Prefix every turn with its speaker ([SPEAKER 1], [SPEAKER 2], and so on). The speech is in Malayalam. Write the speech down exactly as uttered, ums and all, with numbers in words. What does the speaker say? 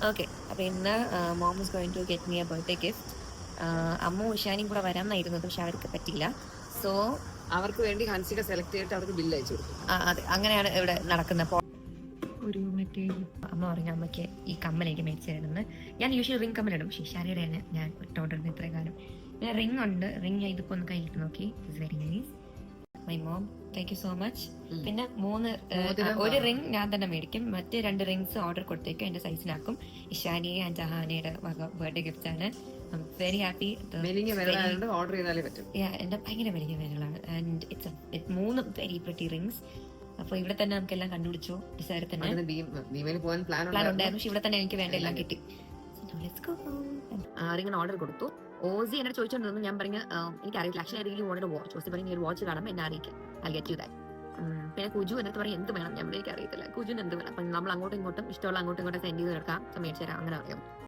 [SPEAKER 1] ഓക്കെ, അപ്പൊ ഇന്ന് mom is going to get me a birthday gift. അമ്മ ഉഷാനിയും കൂടെ വരാമെന്നായിരുന്നത്, പക്ഷെ അവർക്ക് പറ്റില്ല. സോ
[SPEAKER 2] അവർക്ക് വേണ്ടി ഹൻസിക സെലക്ട് ചെയ്തിട്ട് അവർക്ക് ബില്ല് അയച്ചു കൊടുക്കും.
[SPEAKER 1] അതെ, അങ്ങനെയാണ് ഇവിടെ നടക്കുന്നത്. ഒരു മറ്റേ അമ്മ പറഞ്ഞു അമ്മയ്ക്ക് ഈ കമ്മലേക്ക് മേടിച്ചു തരുന്നത്. ഞാൻ യൂഷ്വലി റിംഗ് കമ്മലിടും, പക്ഷേ ഷാരിയുടെയാണ് ഞാൻ ഇട്ടോണ്ടിരുന്നത് ഇത്രയും കാലം. പിന്നെ റിംഗ് ഉണ്ട്, റിംഗ് ഇതിപ്പോ ഒന്ന് കയ്യിട്ട് നോക്കി. It's very nice. My mom, thank you so much. പിന്നെ മൂന്ന് ഒരു റിംഗ് ഞാൻ തന്നെ മേടിക്കും, മറ്റ് രണ്ട് റിംഗ്സ് ഓർഡർ കൊടുത്തേക്കും, എന്റെ സൈസിനാക്കും. ഇഷാനി ആൻഡ് ജഹാനയുടെ ബർത്ത്ഡേ ഗിഫ്റ്റ് ആണ്. Very happy.
[SPEAKER 2] ഓർഡർ ചെയ്താലേ പറ്റും.
[SPEAKER 1] എന്റെ ഭയങ്കര വലിയ വിരലാണ്. ആൻഡ് ഇറ്റ്സ് മൂന്ന് വെരി പ്രിറ്റി റിംഗ്സ്. അപ്പൊ ഇവിടെ തന്നെ നമുക്ക് എല്ലാം കണ്ടുപിടിച്ചു. ഡിസൈർ തന്നെ പ്ലാൻ ഉണ്ടായിരുന്നു, പക്ഷെ ഇവിടെ തന്നെ എനിക്ക് വേണ്ട എല്ലാം കിട്ടി. റിംഗിന് ഓർഡർ കൊടുത്തു. ഓസി എന്നെ ചോദിച്ചോണ്ടിരുന്നു. ഞാൻ പറഞ്ഞ എനിക്ക് അറിയില്ല, actually I really wanted a watch. ഓസി പറഞ്ഞു ഒരു വാച്ച് കാണാം, എന്നെ അറിയിക്കാം, ഐ ഗെറ്റ് യു ദാറ്റ്. പിന്നെ കുജു എന്നിട്ട് പറയും എന്ത് വേണം, ഞാൻ എനിക്ക് അറിയത്തില്ല കുജുവിന് എന്ത് വേണം. അപ്പം നമ്മൾ അങ്ങോട്ടും ഇങ്ങോട്ടും ഇഷ്ടമുള്ള അങ്ങോട്ടും ഇങ്ങോട്ടും സെൻഡ് ചെയ്ത് എടുക്കാം, മേടിച്ചു തരാം, അങ്ങനെ അറിയാം.